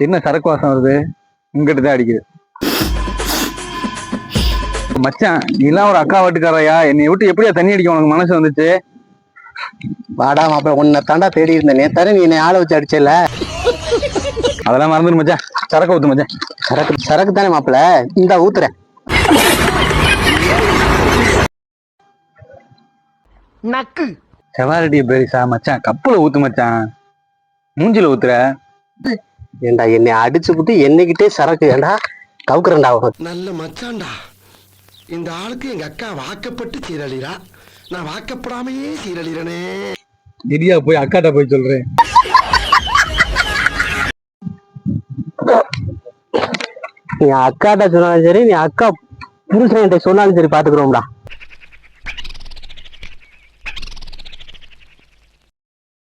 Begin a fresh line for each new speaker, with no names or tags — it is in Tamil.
என்ன சரக்கு வாசம் வருது? உங்ககிட்ட தான் அடிக்குது. மச்சான், நீலாம் ஒரு அக்கா வீட்டுக்காரையா? என்னை விட்டு எப்படியா தண்ணி அடிக்க உனக்கு மனசு வந்துச்சு?
வாடா மாப்பிள்ள, உன்னை தாண்டா தேடி இருந்தேனே. தர நீ என்னை ஆளை வச்சு அடிச்சல.
அதெல்லாம் மறந்துடு மச்சான். சரக்கு ஊத்து மச்சான்.
சரக்கு தானே மாப்பிள்ள, இந்த ஊத்துறேன்.
நக்கு
செவாரடிய பெரிசா மச்சான், கப்புல ஊத்து மச்சான். மூஞ்சில ஊத்துற.
ஏண்டா என்னை அடிச்சு புட்டு என்னைக்கிட்டே சரக்கு ஏண்டா கவுக்குறேன்டா.
நல்ல மச்சான்டா. இந்த ஆளுக்கு எங்க அக்கா வாக்கப்பட்டு சீரழிறா, நான் வாக்கப்படாமையே சீரழிறனே.
இடியா போய் அக்காட்ட போய் சொல்றேன்.
நீ அக்காட்ட சொன்னாலும் சரி, நீ அக்கா புருஷன் சொன்னாலும் சரி, பாத்துக்கிறோம்டா.